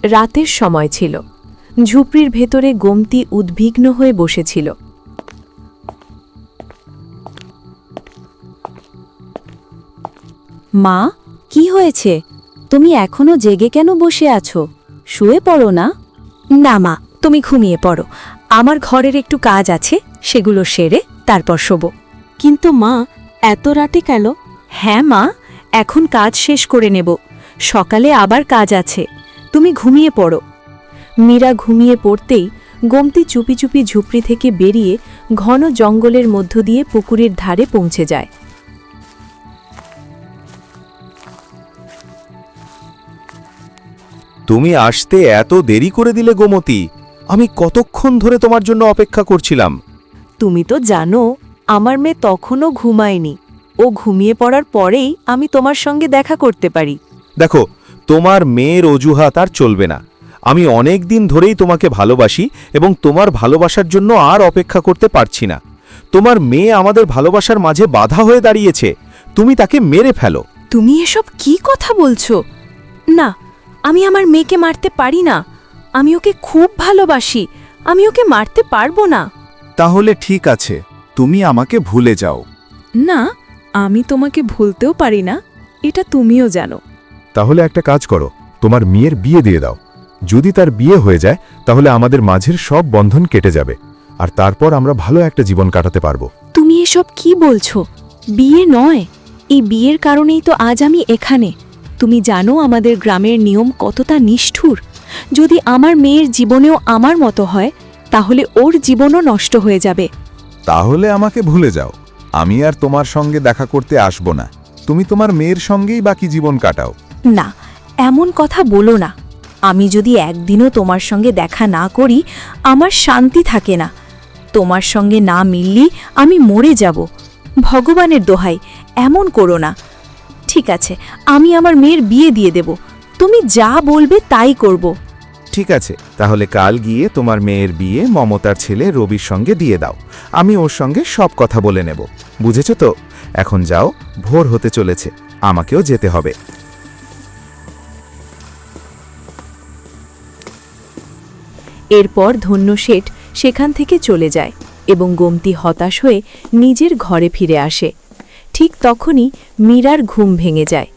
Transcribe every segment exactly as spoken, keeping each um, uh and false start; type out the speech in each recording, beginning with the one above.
রাতের সময় ছিল। ঝুপড়ির ভেতরে গোমতী উদ্বিগ্ন হয়ে বসেছিল। মা, কি হয়েছে? তুমি এখনো জেগে কেন বসে আছো? শুয়ে পড়ো না। না মা, তুমি ঘুমিয়ে পড়ো। আমার ঘরের একটু কাজ আছে, সেগুলো সেরে তারপর শোবো। কিন্তু মা, এত রাতে কেন? হ্যাঁ মা, এখন কাজ শেষ করে নেব। সকালে আবার কাজ আছে। তুমি ঘুমিয়ে পড়ো। মীরা ঘুমিয়ে পড়তেই গোমতী চুপি চুপি ঝুপড়ি থেকে বেরিয়ে ঘন জঙ্গলের মধ্য দিয়ে পুকুরের ধারে পৌঁছে যায়। তুমি আসতে এত দেরি করে দিলে গোমতী। আমি কতক্ষণ ধরে তোমার জন্য অপেক্ষা করছিলাম। তুমি তো জানো, আমার মেয়ে তখনও ঘুমায়নি। ও ঘুমিয়ে পড়ার পরেই আমি তোমার সঙ্গে দেখা করতে পারি। দেখো, তোমার মেয়ের অজুহাত আর চলবে না। আমি অনেক দিন ধরেই তোমাকে ভালোবাসি এবং তোমার ভালোবাসার জন্য আর অপেক্ষা করতে পারছি না। তোমার মেয়ে আমাদের ভালোবাসার মাঝে বাধা হয়ে দাঁড়িয়েছে। তুমি তাকে মেরে ফেলো। তুমি এসব কি কথা বলছো? না, আমি আমার মেয়েকে মারতে পারি না। আমি ওকে খুব ভালোবাসি। আমি ওকে মারতে পারবো না। তাহলে ঠিক আছে, তুমি আমাকে ভুলে যাও। না, আমি তোমাকে ভুলতেও পারি না, এটা তুমিও জানো। তাহলে একটা কাজ করো, তোমার মেয়ের বিয়ে দিয়ে দাও। যদি তার বিয়ে হয়ে যায় তাহলে আমাদের মাঝের সব বন্ধন কেটে যাবে, আর তারপর আমরা ভালো একটা জীবন কাটাতে পারবো। তুমি এসব কি বলছো? বিয়ে নয়, এই বিয়ের কারণেই তো আজ আমি এখানে। তুমি জানো আমাদের গ্রামের নিয়ম কতটা নিষ্ঠুর। যদি আমার মেয়ের জীবনেও আমার মতো হয়, তাহলে ওর জীবনও নষ্ট হয়ে যাবে। তাহলে আমাকে ভুলে যাও। আমি আর তোমার সঙ্গে দেখা করতে আসব না। তুমি তোমার মেয়ের সঙ্গেই বাকি জীবন কাটাও। না, এমন কথা বলো না। আমি যদি একদিনও তোমার সঙ্গে দেখা না করি, আমার শান্তি থাকে না। তোমার সঙ্গে না মিললি আমি মরে যাব। ভগবানের দোহাই, এমন করো না। ঠিক আছে, আমি আমার মেয়ের বিয়ে দিয়ে দেব। তুমি যা বলবে তাই করব। ঠিক আছে, তাহলে কাল গিয়ে তোমার মেয়ের বিয়ে মমতার ছেলে রবির সঙ্গে দিয়ে দাও। আমি ওর সঙ্গে সব কথা বলে নেব। বুঝেছ তো? এখন যাও, ভোর হতে চলেছে, আমাকেও যেতে হবে। এরপর ধন্য শেঠ সেখান থেকে চলে যায় এবং গোমতী হতাশ হয়ে নিজের ঘরে ফিরে আসে। ঠিক তখনই মীরার ঘুম ভেঙে যায়।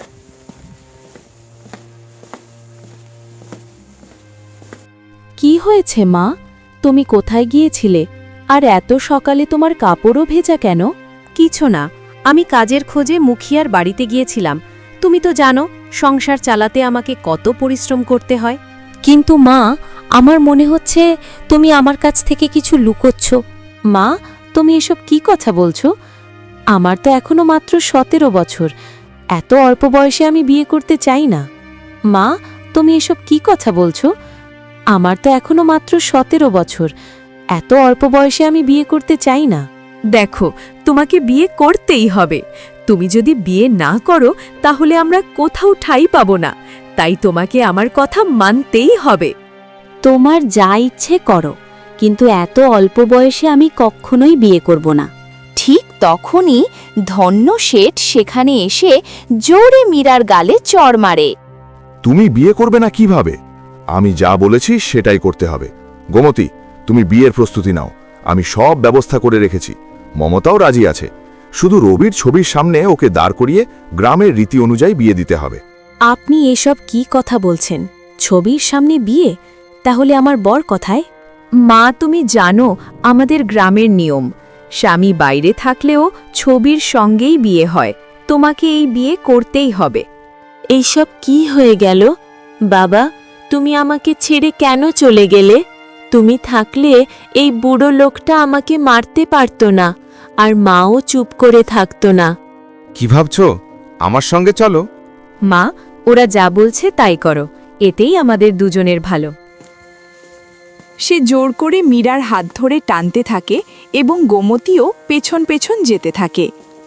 কি হয়েছে মা? তুমি কোথায় গিয়েছিলে? আর এত সকালে তোমার কাপড়ও ভেজা কেন? কিছু না, আমি কাজের খোঁজে মুখিয়ার বাড়িতে গিয়েছিলাম। তুমি তো জানো, সংসার চালাতে আমাকে কত পরিশ্রম করতে হয়। কিন্তু মা, আমার মনে হচ্ছে তুমি আমার কাছ থেকে কিছু লুকোচ্ছ। মা, তুমি এসব কি কথা বলছো? আমার তো এখনো মাত্র সতেরো বছর। এত অল্প বয়সে আমি বিয়ে করতে চাই না। মা, তুমি এসব কি কথা বলছো? আমার তো এখনো মাত্র সতেরো বছর। এত অল্প বয়সে আমি বিয়ে করতে চাই না। দেখো, তোমাকে বিয়ে করতেই হবে। তুমি যদি বিয়ে না করো, তাহলে আমরা কোথাও ঠাঁই পাবো না। তাই তোমাকে আমার কথা মানতেই হবে। তোমার যা ইচ্ছে করো, কিন্তু এত অল্প বয়সে আমি কখনোই বিয়ে করব না। ঠিক তখনই ধন্য শেঠ সেখানে এসে জোরে মীরার গালে চড় মারে। তুমি বিয়ে করবে না কিভাবে? আমি যা বলেছি সেটাই করতে হবে। গোমতী, তুমি বিয়ের প্রস্তুতি নাও। আমি সব ব্যবস্থা করে রেখেছি। মমতাও রাজি আছে। শুধু রবির ছবির সামনে ওকে দাঁড় করিয়ে গ্রামের রীতি অনুযায়ী বিয়ে দিতে হবে। আপনি এসব কি কথা বলছেন? ছবির সামনে বিয়ে? তাহলে আমার বর কোথায়? মা, তুমি জানো আমাদের গ্রামের নিয়ম। স্বামী বাইরে থাকলেও ছবির সঙ্গেই বিয়ে হয়। তোমাকে এই বিয়ে করতেই হবে। এইসব কি হয়ে গেল? বাবা, তুমি আমাকে ছেড়ে কেন চলে গেলে? তুমি থাকলে এই বুড়ো লোকটা আমাকে মারতে পারত না, আর মাও চুপ করে থাকতো না। কি ভাবছ? আমার সঙ্গে চলো। মা, ওরা যা বলছে তাই করো। এতেই আমাদের দুজনের ভালো। সে জোর করে মীরার হাত ধরে টানতে থাকে এবং গোমতীও পেছন পেছন যেতে থাকে।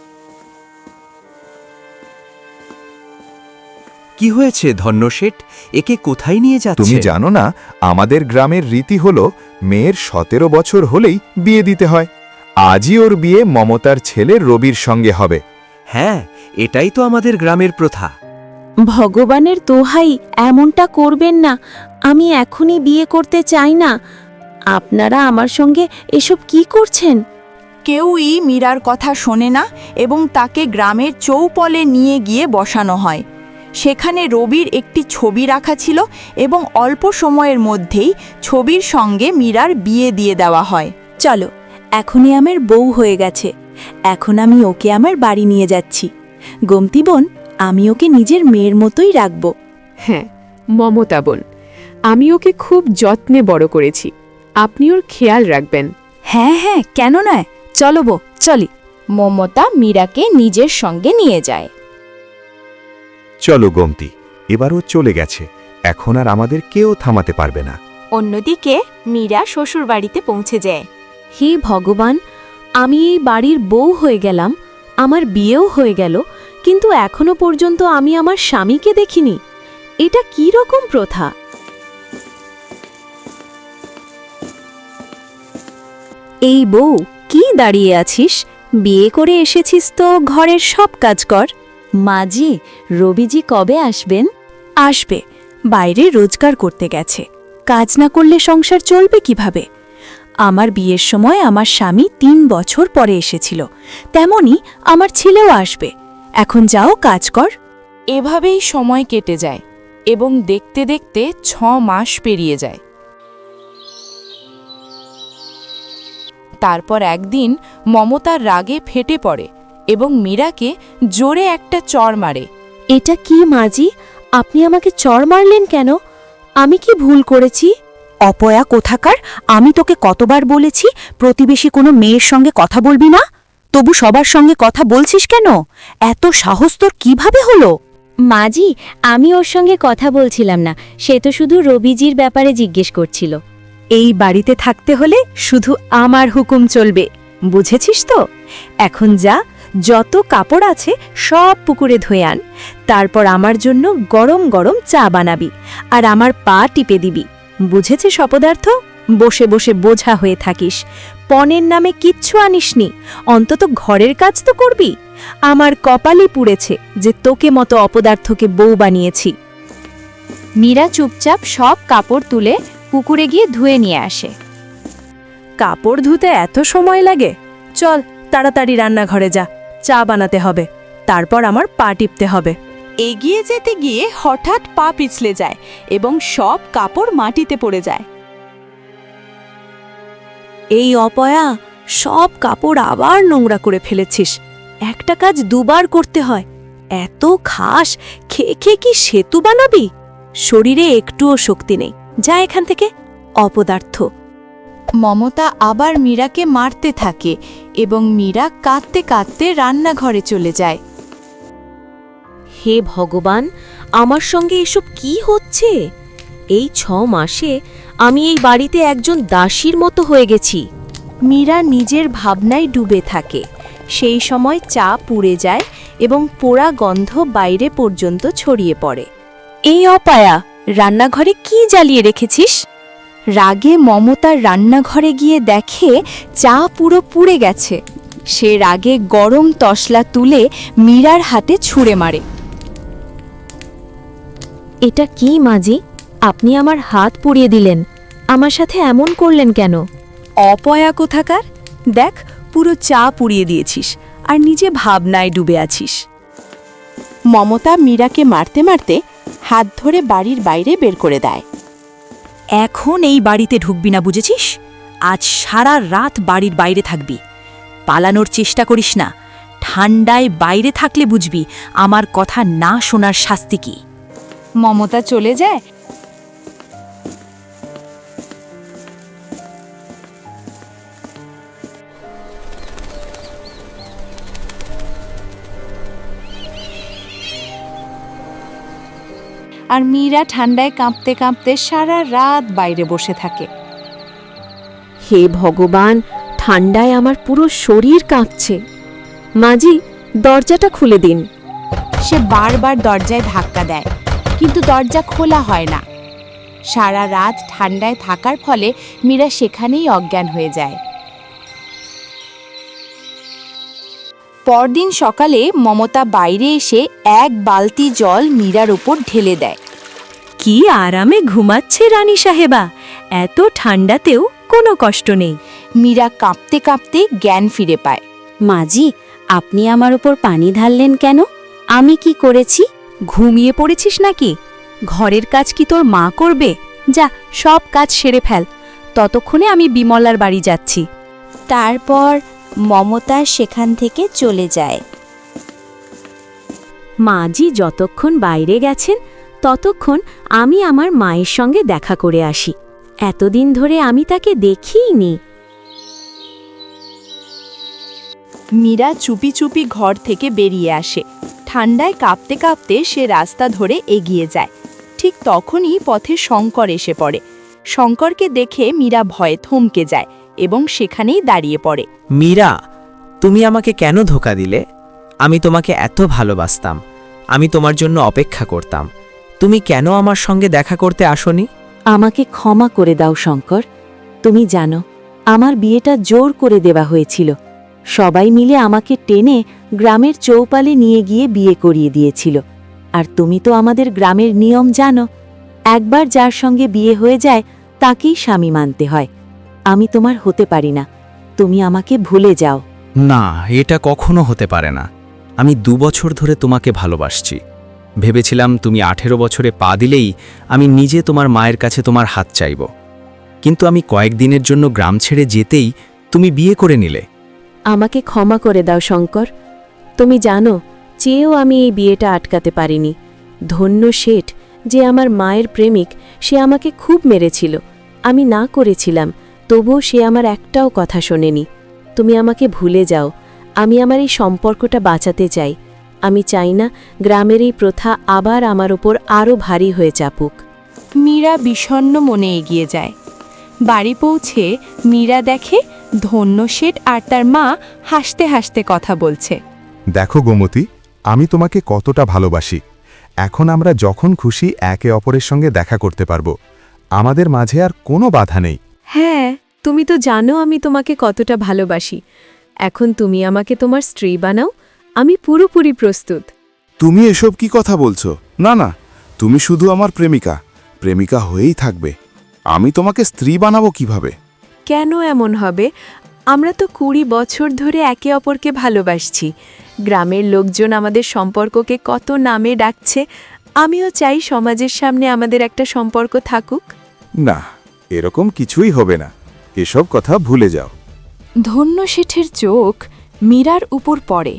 কি হয়েছে ধন্য শেঠ? একে কোথায় নিয়ে যাচ্ছে? তুমি জানো না, আমাদের গ্রামের রীতি হলো মেয়ের সতেরো বছর হলেই বিয়ে দিতে হয়। আজই ওর বিয়ে মমতার ছেলে রবির সঙ্গে হবে। হ্যাঁ, এটাই তো আমাদের গ্রামের প্রথা। ভগবানের দোহাই, এমনটা করবেন না। আমি এখনই বিয়ে করতে চাই না। আপনারা আমার সঙ্গে এসব কি করছেন? কেউই মীরার কথা শোনে না এবং তাকে গ্রামের চৌপলে নিয়ে গিয়ে বসানো হয়। সেখানে রবির একটি ছবি রাখা ছিল এবং অল্প সময়ের মধ্যেই ছবির সঙ্গে মীরার বিয়ে দিয়ে দেওয়া হয়। চলো, এখনই আমার বউ হয়ে গেছে। এখন আমি ওকে আমার বাড়ি নিয়ে যাচ্ছি। গোমতী বোন, আমি ওকে নিজের মেয়ের মতোই রাখব। হ্যাঁ মমতা বোন, আমি ওকে খুব যত্নে বড় করেছি, আপনি ওর খেয়াল রাখবেন। হ্যাঁ হ্যাঁ, কেন নয়, চলো বো, চলি। মমতা মীরাকে নিজের সঙ্গে নিয়ে যায়। চলো গোমতী, এবারও চলে গেছে, এখন আর আমাদের কেউ থামাতে পারবে না। অন্যদিকে মীরা শ্বশুর বাড়িতে পৌঁছে যায়। হে ভগবান, আমি এই বাড়ির বউ হয়ে গেলাম, আমার বিয়েও হয়ে গেল, কিন্তু এখনো পর্যন্ত আমি আমার স্বামীকে দেখিনি। এটা কি রকম প্রথা? এই বউ, কি দাঁড়িয়ে আছিস? বিয়ে করে এসেছিস তো ঘরের সব কাজ কর। মাজি, রবিজি কবে আসবেন? আসবে, বাইরে রোজগার করতে গেছে। কাজ না করলে সংসার চলবে কিভাবে? আমার বিয়ের সময় আমার স্বামী তিন বছর পরে এসেছিল, তেমনি আমার ছেলেও আসবে। এখন যাও, কাজ কর। এভাবেই সময় কেটে যায় এবং দেখতে দেখতে ছ মাস পেরিয়ে যায়। তারপর একদিন মমতার রাগে ফেটে পড়ে এবং মীরাকে জোরে একটা চড় মারে। এটা কি মাজি? আপনি আমাকে চড় মারলেন কেন? আমি কি ভুল করেছি? অপয়া কোথাকার, আমি তোকে কতবার বলেছি প্রতিবেশী কোনো মেয়ের সঙ্গে কথা বলবি না? তবু সবার সঙ্গে কথা বলছিস কেন? এত সাহস তোর কিভাবে হলো? মাজি, আমি ওর সঙ্গে কথা বলছিলাম না, সে তো শুধু রবিজির ব্যাপারে জিজ্ঞেস করছিল। এই বাড়িতে থাকতে হলে শুধু আমার হুকুম চলবে, বুঝেছিস তো? এখন যা, যত কাপড় আছে সব পুকুরে ধুয়ে আন। তারপর আমার জন্য গরম গরম চা বানাবি আর আমার পা টিপে দিবি। বুঝেছিস অপদার্থ? বসে বসে বোঝা হয়ে থাকিস, পণের নামে কিচ্ছু আনিসনি, অন্তত ঘরের কাজ তো করবি। আমার কপালে পুড়েছে যে তোকে মতো অপদার্থকে বউ বানিয়েছি। মীরা চুপচাপ সব কাপড় তুলে পুকুরে গিয়ে ধুয়ে নিয়ে আসে। কাপড় ধুতে এত সময় লাগে? চল তাড়াতাড়ি রান্নাঘরে যা, চা বানাতে হবে, তারপর আমার পা টিপতে হবে। এগিয়ে যেতে গিয়ে হঠাৎ পা পিছলে যায় এবং সব কাপড় মাটিতে পড়ে যায়। এই অপয়া, সব কাপড় আবার নোংরা করে ফেলেছিস। একটা কাজ দুবার করতে হয়, এত খাস, খেয়ে খেয়ে কি সেতু বানাবি? শরীরে একটুও শক্তি নেই, যা এখান থেকে, অপদার্থ। মমতা আবার মীরাকে মারতে থাকে এবং মীরা কাঁদতে কাঁদতে রান্নাঘরে চলে যায়। হে ভগবান, আমার সঙ্গে এসব কি হচ্ছে? এই ছ মাসে আমি এই বাড়িতে একজন দাসীর মতো হয়ে গেছি। মীরা নিজের ভাবনায় ডুবে থাকে। সেই সময় চা পুড়ে যায় এবং পোড়া গন্ধ বাইরে পর্যন্ত ছড়িয়ে পড়ে। এই অপায়া, রান্নাঘরে কি জ্বালিয়ে রেখেছিস? রাগে মমতার রান্নাঘরে গিয়ে দেখে চা পুরো পুড়ে গেছে। সে রাগে গরম তসলা তুলে মীরার হাতে ছুঁড়ে মারে। এটা কি মাজি? আপনি আমার হাত পুড়িয়ে দিলেন, আমার সাথে এমন করলেন কেন? অপয়া কোথাকার, দেখ পুরো চা পুড়িয়ে দিয়েছিস আর নিজে ভাবনায় ডুবে আছিস। মমতা মীরাকে মারতে মারতে হাত ধরে বাড়ির বাইরে বের করে দেয়। এখন এই বাড়িতে ঢুকবি না, বুঝেছিস? আজ সারা রাত বাড়ির বাইরে থাকবি। পালানোর চেষ্টা করিস না, ঠান্ডায় বাইরে থাকলে বুঝবি আমার কথা না শোনার শাস্তি কি। মমতা চলে যায়। আর মীরা ঠান্ডায় কাঁপতে কাঁপতে সারা রাত বাইরে বসে থাকে। হে ভগবান, ঠান্ডায় আমার পুরো শরীর কাঁপছে। মাজি, দরজাটা খুলে দিন। সে বারবার দরজায় ধাক্কা দেয়, কিন্তু দরজা খোলা হয় না। সারা রাত ঠান্ডায় থাকার ফলে মীরা সেখানেই অজ্ঞান হয়ে যায়। পরদিন সকালে মমতা বাইরে এসে এক বালতি জল মীরার উপর ঢেলে দেয়। কি আরামে ঘুমাচ্ছে রানী সাহেবা, এত ঠান্ডাতেও কোনো কষ্ট নেই। মীরা কাঁপতে কাঁপতে জ্ঞান ফিরে পায়। মাজি, আপনি আমার উপর পানি ঢাললেন কেন? আমি কি করেছি? ঘুমিয়ে পড়েছিস নাকি? ঘরের কাজ কি তোর মা করবে? যা, সব কাজ সেরে ফেল, ততক্ষণে আমি বিমলার বাড়ি যাচ্ছি। তারপর মমতা সেখান থেকে চলে যায়। মাজি যতক্ষণ বাইরে গেছেন ততক্ষণ আমি আমার মায়ের সঙ্গে দেখা করে আসি। এতদিন ধরে আমি তাকে দেখিইনি। মীরা চুপি চুপি ঘর থেকে বেরিয়ে আসে। ঠান্ডায় কাঁপতে কাঁপতে সে রাস্তা ধরে এগিয়ে যায়। ঠিক তখনই পথে শঙ্কর এসে পড়ে। শঙ্করকে দেখে মীরা ভয়ে থমকে যায় এবং সেখানেই দাঁড়িয়ে পড়ে। মীরা, তুমি আমাকে কেন ধোঁকা দিলে? আমি তোমাকে এত ভালোবাসতাম, আমি তোমার জন্য অপেক্ষা করতাম। তুমি কেন আমার সঙ্গে দেখা করতে আসোনি? আমাকে ক্ষমা করে দাও শঙ্কর। তুমি জানো, আমার বিয়েটা জোর করে দেওয়া হয়েছিল। সবাই মিলে আমাকে টেনে গ্রামের চৌপালে নিয়ে গিয়ে বিয়ে করিয়ে দিয়েছিল। আর তুমি তো আমাদের গ্রামের নিয়ম জানো, একবার যার সঙ্গে বিয়ে হয়ে যায় তাকেই স্বামী মানতে হয়। আমি তোমার হতে পারি না, তুমি আমাকে ভুলে যাও। না, এটা কখনো হতে পারে না। আমি দু বছর ধরে তোমাকে ভালোবাসছি। ভেবেছিলাম তুমি আঠেরো বছরে পা দিলেই আমি নিজে তোমার মায়ের কাছে তোমার হাত চাইব, কিন্তু আমি কয়েকদিনের জন্য গ্রাম ছেড়ে যেতেই তুমি বিয়ে করে নিলে। আমাকে ক্ষমা করে দাও শঙ্কর। তুমি জানো, চেয়েও আমি এই বিয়েটা আটকাতে পারিনি। ধন্য শেঠ যে আমার মায়ের প্রেমিক, সে আমাকে খুব মেরেছিল। আমি না করেছিলাম, তবুও সে আমার একটাও কথা শোনেনি। তুমি আমাকে ভুলে যাও। আমি আমার এই সম্পর্কটা বাঁচাতে চাই। আমি চাই না গ্রামের এই প্রথা আবার আমার ওপর আরও ভারী হয়ে চাপুক। মীরা বিষণ্ণ মনে এগিয়ে যায়। বাড়ি পৌঁছে মীরা দেখে ধন্য শেঠ আর তার মা হাসতে হাসতে কথা বলছে। দেখো গোমতী, আমি তোমাকে কতটা ভালোবাসি। এখন আমরা যখন খুশি একে অপরের সঙ্গে দেখা করতে পারবো। আমাদের মাঝে আর কোনো বাধা নেই। হ্যাঁ, তুমি তো জানো আমি তোমাকে কতটা ভালোবাসি। এখন তুমি আমাকে তোমার স্ত্রী বানাও, আমি পুরোপুরি প্রস্তুত। তুমি এসব কি কথা বলছো? না না, তুমি শুধু আমার প্রেমিকা, প্রেমিকা হয়েই থাকবে। আমি তোমাকে স্ত্রী বানাবো কিভাবে? কেন এমন হবে? আমরা তো কুড়ি বছর ধরে একে অপরকে ভালোবাসছি। গ্রামের লোকজন আমাদের সম্পর্ককে কত নামে ডাকছে। আমিও চাই সমাজের সামনে আমাদের একটা সম্পর্ক থাকুক। না, এরকম কিছুই হবে না। এসব কথা ভুলে যাও। ধন্য শেঠের চোখ মীরার উপর পড়ে।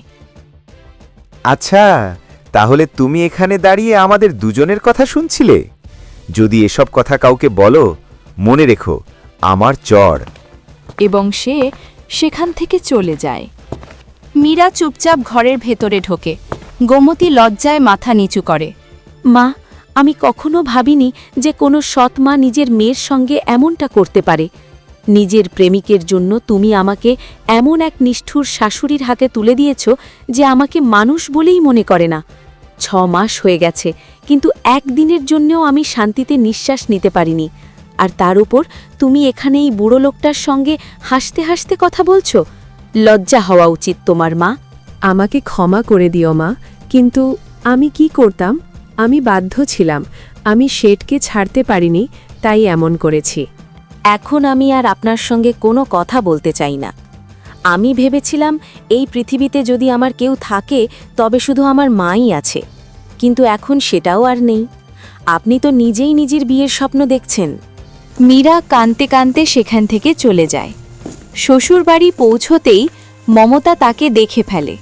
আচ্ছা, তাহলে তুমি এখানে দাঁড়িয়ে আমাদের দুজনের কথা শুনছিলে? যদি এসব কথা কাউকে বলো, মনে রেখো আমার চড়। এবং সে সেখান থেকে চলে যায়। মীরা চুপচাপ ঘরের ভেতরে ঢোকে। গোমতী লজ্জায় মাথা নিচু করে। মা, আমি কখনো ভাবিনি যে কোনো সৎ মা নিজের মেয়ের সঙ্গে এমনটা করতে পারে। নিজের প্রেমিকের জন্য তুমি আমাকে এমন এক নিষ্ঠুর শাশুড়ির হাতে তুলে দিয়েছ যে আমাকে মানুষ বলেই মনে করে না। ছ মাস হয়ে গেছে, কিন্তু একদিনের জন্যও আমি শান্তিতে নিঃশ্বাস নিতে পারিনি। আর তার উপর তুমি এখানে এই বুড়ো লোকটার সঙ্গে হাসতে হাসতে কথা বলছো। লজ্জা হওয়া উচিত তোমার, মা। আমাকে ক্ষমা করে দিও মা, কিন্তু আমি কি করতাম? আমি বাধ্য ছিলাম। আমি শেঠকে ছাড়তে পারিনি, তাই এমন করেছি। এখন আমি আর আপনার সঙ্গে কোনো কথা বলতে চাই না। আমি ভেবেছিলাম এই পৃথিবীতে যদি আমার কেউ থাকে তবে শুধু আমার মাই আছে, কিন্তু এখন সেটাও আর নেই। আপনি তো নিজেই নিজের বিয়ের স্বপ্ন দেখছেন। মীরা কাঁদতে কাঁদতে সেখান থেকে চলে যায়। শ্বশুরবাড়ি পৌঁছতেই মমতা তাকে দেখে ফেলে।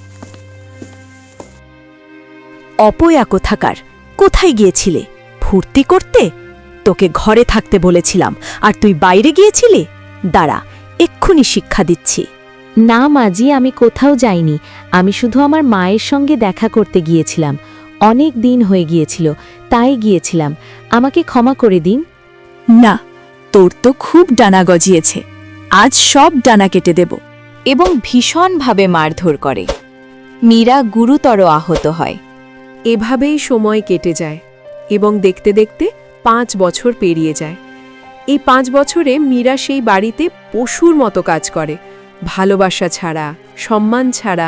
অপয়া কোথাকার, কোথায় গিয়েছিলে? ফুর্তি করতে? তোকে ঘরে থাকতে বলেছিলাম, আর তুই বাইরে গিয়েছিলি? দাঁড়া, এক্ষুনি শিক্ষা দিচ্ছি। না মাজি, আমি কোথাও যাইনি। আমি শুধু আমার মায়ের সঙ্গে দেখা করতে গিয়েছিলাম। অনেক দিন হয়ে গিয়েছিল, তাই গিয়েছিলাম। আমাকে ক্ষমা করে দিন। না, তোর তো খুব ডানা গজিয়েছে, আজ সব ডানা কেটে দেব। এবং ভীষণভাবে মারধর করে। মীরা গুরুতর আহত হয়। এভাবেই সময় কেটে যায় এবং দেখতে দেখতে পাঁচ বছর পেরিয়ে যায়। এই পাঁচ বছরে মীরা সেই বাড়িতে পশুর মতো কাজ করে। ভালোবাসা ছাড়া, সম্মান ছাড়া,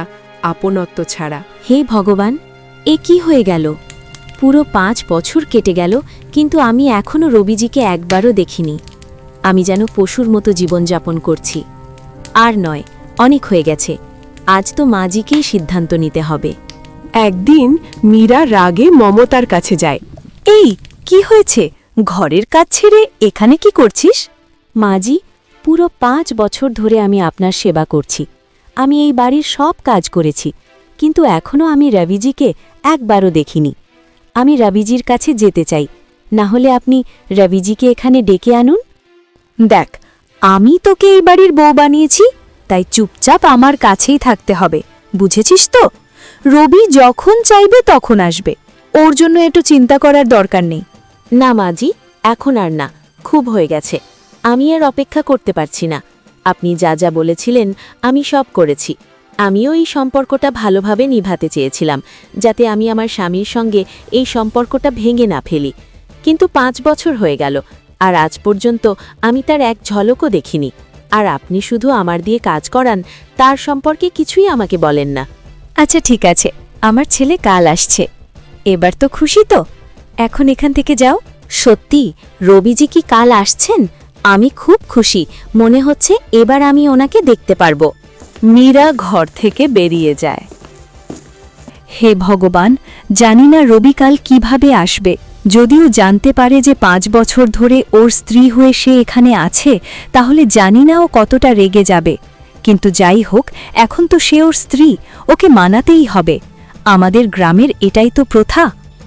আপনত্ব ছাড়া। হে ভগবান, এ কি হয়ে গেল? পুরো পাঁচ বছর কেটে গেল, কিন্তু আমি এখনও রবিজিকে একবারও দেখিনি। আমি যেন পশুর মতো জীবনযাপন করছি। আর নয়, অনেক হয়ে গেছে। আজ তো মাজিকেই সিদ্ধান্ত নিতে হবে। একদিন মীরা রাগে মমতার কাছে যায়। এই কি হয়েছে? ঘরের কাজ ছেড়ে এখানে কি করছিস? মাজি, পুরো পাঁচ বছর ধরে আমি আপনার সেবা করছি। আমি এই বাড়ির সব কাজ করেছি, কিন্তু এখনও আমি রবিজিকে একবারও দেখিনি। আমি রবিজির কাছে যেতে চাই, না হলে আপনি রবিজিকে এখানে ডেকে আনুন। দেখ, আমি তোকে এই বাড়ির বউ বানিয়েছি, তাই চুপচাপ আমার কাছেই থাকতে হবে, বুঝেছিস তো? রবি যখন চাইবে তখন আসবে, ওর জন্য একটু চিন্তা করার দরকার নেই। না মাজি, এখন আর না, খুব হয়ে গেছে। আমি আর অপেক্ষা করতে পারছি না। আপনি যা যা বলেছিলেন আমি সব করেছি। আমিও এই সম্পর্কটা ভালোভাবে নিভাতে চেয়েছিলাম, যাতে আমি আমার স্বামীর সঙ্গে এই সম্পর্কটা ভেঙে না ফেলি। কিন্তু পাঁচ বছর হয়ে গেল, আর আজ পর্যন্ত আমি তার এক ঝলকও দেখিনি। আর আপনি শুধু আমার দিয়ে কাজ করান, তার সম্পর্কে কিছুই আমাকে বলেন না। আচ্ছা ঠিক আছে, আমার ছেলে কাল আসছে। এবার তো খুশি তো? এখন এখান থেকে যাও। সত্যি রবিজি কি কাল আসছেন? আমি খুব খুশি, মনে হচ্ছে এবার আমি ওনাকে দেখতে পারবো। মীরা ঘর থেকে বেরিয়ে যায়। হে ভগবান, জানি না রবি কাল কিভাবে আসবে। যদিও জানতে পারে যে পাঁচ বছর ধরে ওর স্ত্রী হয়ে সে এখানে আছে, তাহলে জানি না ও কতটা রেগে যাবে। কিন্তু যাই হোক, এখন তো সে ওর স্ত্রী, ওকে মানাতেই হবে। আমাদের গ্রামের এটাই তো প্রথা।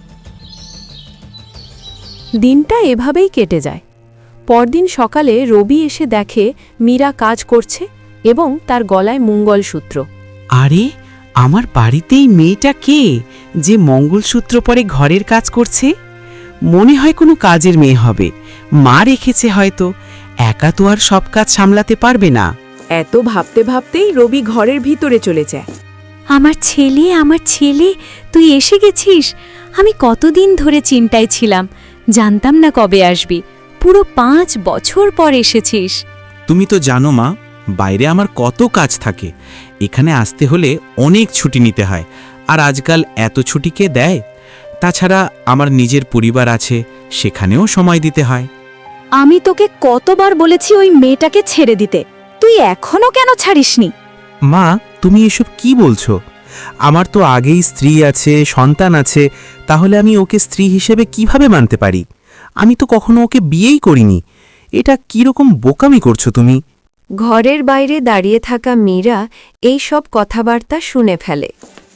দিনটা এভাবেই কেটে যায়। পরদিন সকালে রবি এসে দেখে মীরা কাজ করছে এবং তার গলায় মঙ্গলসূত্র। আরে, আমার বাড়িতেই মেয়েটা কে যে মঙ্গলসূত্র পরে ঘরের কাজ করছে? মনে হয় কোনো কাজের মেয়ে হবে, মা রেখেছে হয়তো। একা তো আর সব কাজ সামলাতে পারবে না। এত ভাবতে ভাবতেই রবি ঘরের ভিতরে চলে যায়। আমার ছেলে, আমার ছেলে, তুই এসে গেছিস। আমি কতদিন ধরে চিন্তায় ছিলাম, জানতাম না কবে আসবি। পুরো পাঁচ বছর পর এসেছিস। তুমি তো জানো মা, বাইরে আমার কত কাজ থাকে। এখানে আসতে হলে অনেক ছুটি নিতে হয়, আর আজকাল এত ছুটি কে দেয়? তাছাড়া আমার নিজের পরিবার আছে, সেখানেও সময় দিতে হয়। আমি তোকে কতবার বলেছি ওই মেয়েটাকে ছেড়ে দিতে, তুই এখনো কেন ছাড়িসনি? মা, তুমি এসব কি বলছো? আমার তো আগেই স্ত্রী আছে, সন্তান আছে, তাহলে আমি ওকে স্ত্রী হিসেবে কিভাবে মানতে পারি? আমি তো কখনো ওকে বিয়েই করিনি। এটা কিরকম বোকামি করছো তুমি? ঘরের বাইরে দাঁড়িয়ে থাকা মীরা এই সব কথাবার্তা শুনে ফেলে।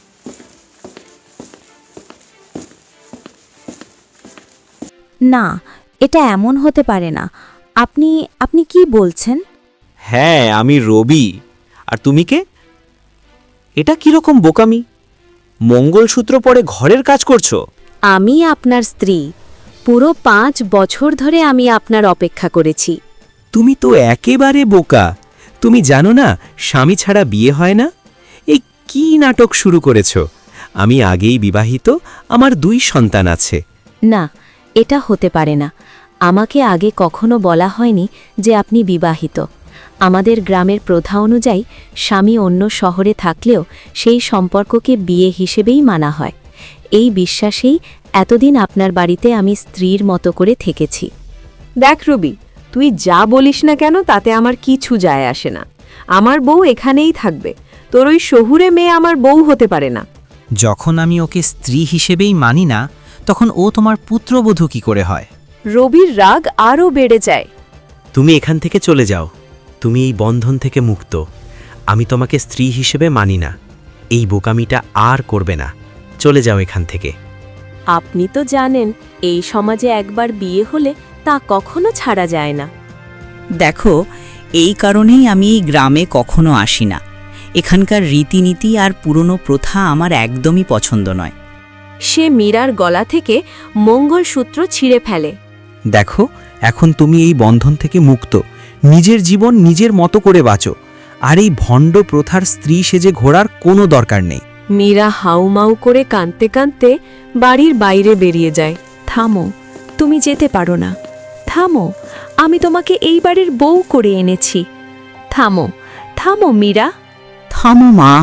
না, এটা এমন হতে পারে না। আপনি আপনি কি বলছেন? হ্যাঁ, আমি রবি। আর তুমি কে? এটা কিরকম বোকামি? মঙ্গলসূত্র পরে ঘরের কাজ করছো? আমি আপনার স্ত্রী। পুরো পাঁচ বছর ধরে আমি আপনার অপেক্ষা করেছি। তুমি তো একেবারে বোকা। তুমি জানো না স্বামী ছাড়া বিয়ে হয় না? এই কি নাটক শুরু করেছ? আমি আগেই বিবাহিত, আমার দুই সন্তান আছে। না, এটা হতে পারে না। আমাকে আগে কখনো বলা হয়নি যে আপনি বিবাহিত। আমাদের গ্রামের প্রথা অনুযায়ী স্বামী অন্য শহরে থাকলেও সেই সম্পর্ককে বিয়ে হিসেবেই মানা হয়। এই বিশ্বাসেই এতদিন আপনার বাড়িতে আমি স্ত্রীর মতো করে থেকেছি। দেখ রবি, তুই যা বলিস না কেন তাতে আমার কিছু যায় আসে না। আমার বউ এখানেই থাকবে, তোর ওই শহুরে মেয়ে আমার বউ হতে পারে না। যখন আমি ওকে স্ত্রী হিসেবেই মানি না, তখন ও তোমার পুত্রবধূ কি করে হয়? রবির রাগ আরও বেড়ে যায়। তুমি এখান থেকে চলে যাও। তুমি এই বন্ধন থেকে মুক্ত। আমি তোমাকে স্ত্রী হিসেবে মানি না। এই বোকামিটা আর করবে না। চলে যাও এখান থেকে। আপনি তো জানেন, এই সমাজে একবার বিয়ে হলে তা কখনো ছাড়া যায় না। দেখো, এই কারণেই আমি এই গ্রামে কখনো আসি না। এখানকার রীতিনীতি আর পুরনো প্রথা আমার একদমই পছন্দ নয়। সে মীরার গলা থেকে মঙ্গলসূত্র ছিঁড়ে ফেলে। দেখো, এখন তুমি এই বন্ধন থেকে মুক্ত। নিজের জীবন নিজের মতো করে বাঁচো। আর এই ভণ্ড প্রথার স্ত্রী সেজে ঘোরার কোনো দরকার নেই। মীরা হাউমাউ করে কাঁদতে কাঁদতে বাড়ির বাইরে বেরিয়ে যায়। থামো, তুমি যেতে পারো না। থামো, আমি তোমাকে এই বাড়ির বউ করে এনেছি। থামো, থামো মীরা। থামো মা,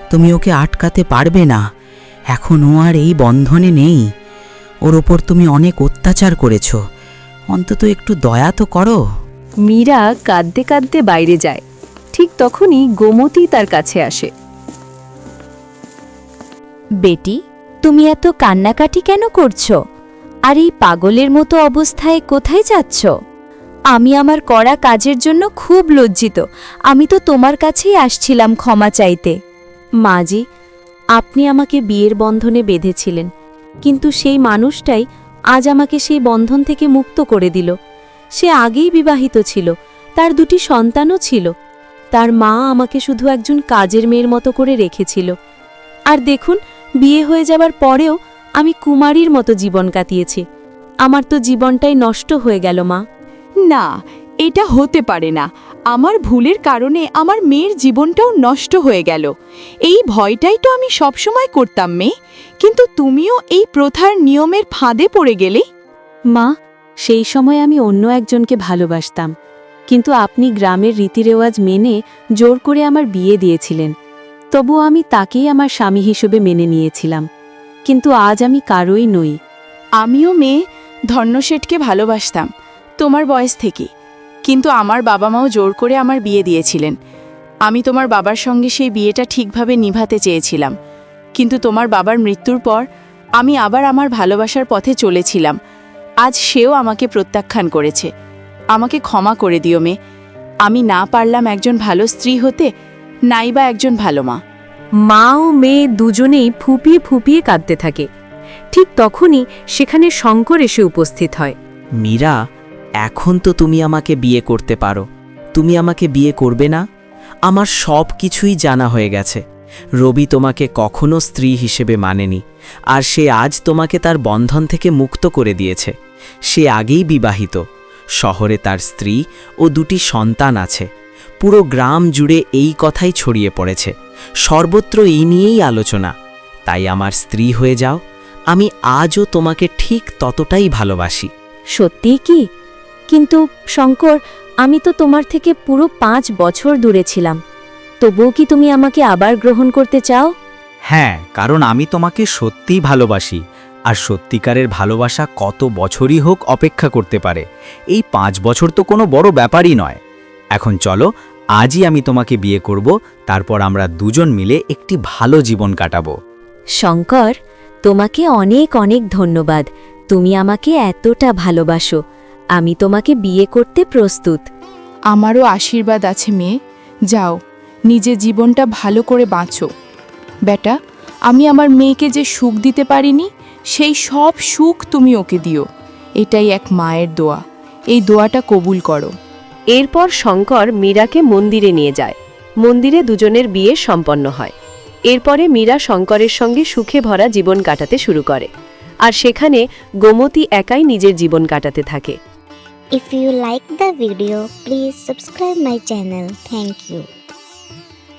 তুমি ওকে আটকাতে পারবে না। এখন ও আর এই বন্ধনে নেই। ওর ওপর তুমি অনেক অত্যাচার করেছ, অন্তত একটু দয়া তো করো। মীরা কাঁদতে কাঁদতে বাইরে যায়। ঠিক তখনই গোমতী তার কাছে আসে। বেটি, তুমি এত কান্নাকাটি কেন করছো? আর এই পাগলের মতো অবস্থায় কোথায় যাচ্ছ? আমি আমার করা কাজের জন্য খুব লজ্জিত। আমি তো তোমার কাছেই আসছিলাম ক্ষমা চাইতে। মাজি, আপনি আমাকে বিয়ের বন্ধনে বেঁধেছিলেন, কিন্তু সেই মানুষটাই আজ আমাকে সেই বন্ধন থেকে মুক্ত করে দিল। সে আগেই বিবাহিত ছিল, তার দুটি সন্তানও ছিল। তার মা আমাকে শুধু একজন কাজের মেয়ের মতো করে রেখেছিল। আর দেখুন, বিয়ে হয়ে যাবার পরেও আমি কুমারীর মতো জীবন কাটিয়েছি। আমার তো জীবনটাই নষ্ট হয়ে গেল মা। না, এটা হতে পারে না। আমার ভুলের কারণে আমার মেয়ের জীবনটাও নষ্ট হয়ে গেল। এই ভয়টাই তো আমি সবসময় করতাম মেয়ে, কিন্তু তুমিও এই প্রথার নিয়মের ফাঁদে পড়ে গেলে। মা, সেই সময় আমি অন্য একজনকে ভালোবাসতাম, কিন্তু আপনি গ্রামের রীতিরেওয়াজ মেনে জোর করে আমার বিয়ে দিয়েছিলেন। তবু আমি তাকেই আমার স্বামী হিসেবে মেনে নিয়েছিলাম, কিন্তু আজ আমি কারোই নই। আমিও মেয়ে ধর্ণশেঠকে ভালোবাসতাম তোমার বয়স থেকে, কিন্তু আমার বাবা মাও জোর করে আমার বিয়ে দিয়েছিলেন। আমি তোমার বাবার সঙ্গে সেই বিয়েটা ঠিকভাবে নিভাতে চেয়েছিলাম, কিন্তু তোমার বাবার মৃত্যুর পর আমি আবার আমার ভালোবাসার পথে চলেছিলাম। আজ সেও আমাকে প্রত্যাখ্যান করেছে। আমাকে ক্ষমা করে দিও মেয়ে। আমি না পারলাম একজন ভালো স্ত্রী হতে, নাইবা একজন ভালো মা। মা ও মেয়ে দুজনেই ফুপিয়ে ফুপিয়ে কাঁদতে থাকে। ঠিক তখনই সেখানে শঙ্কর এসে উপস্থিত হয়। মীরা, এখন তো তুমি আমাকে বিয়ে করতে পারো। তুমি আমাকে বিয়ে করবে না? আমার সব কিছুই জানা হয়ে গেছে। রবি তোমাকে কখনো স্ত্রী হিসেবে মানেনি, আর সে আজ তোমাকে তার বন্ধন থেকে মুক্ত করে দিয়েছে। সে আগেই বিবাহিত, শহরে তার স্ত্রী ও দুটি সন্তান আছে। পুরো গ্রাম জুড়ে এই কথাই ছড়িয়ে পড়েছে, সর্বত্র এই নিয়েই আলোচনা। তাই আমার স্ত্রী হয়ে যাও। আমি আজও তোমাকে ঠিক ততটাই ভালোবাসি। সত্যিই কি? কিন্তু শঙ্কর, আমি তো তোমার থেকে পুরো পাঁচ বছর দূরে ছিলাম। তবুও কি তুমি আমাকে আবার গ্রহণ করতে চাও? হ্যাঁ, কারণ আমি তোমাকে সত্যিই ভালোবাসি, আর সত্যিকারের ভালোবাসা কত বছরই হোক অপেক্ষা করতে পারে। এই পাঁচ বছর তো কোনো বড় ব্যাপারই নয়। এখন চলো, আজই আমি তোমাকে বিয়ে করব, তারপর আমরা দুজন মিলে একটি ভালো জীবন কাটাবো। শঙ্কর, তোমাকে অনেক অনেক ধন্যবাদ। তুমি আমাকে এতটা ভালোবাসো। আমি তোমাকে বিয়ে করতে প্রস্তুত। আমারও আশীর্বাদ আছে মেয়ে। যাও, নিজের জীবনটা ভালো করে বাঁচো। বেটা, আমি আমার মেয়েকে যে সুখ দিতে পারিনি, সেই সব সুখ তুমি ওকে দিও। এটাই এক মায়ের দোয়া। এই দোয়াটা কবুল করো। এরপর শঙ্কর মীরাকে মন্দিরে নিয়ে যায়। মন্দিরে দুজনের বিয়ে সম্পন্ন হয়। এরপরে মীরা শঙ্করের সঙ্গে সুখে ভরা জীবন কাটাতে শুরু করে, আর সেখানে গোমতী একাই নিজের জীবন কাটাতে থাকে। If you like the video, please subscribe my channel. Thank you.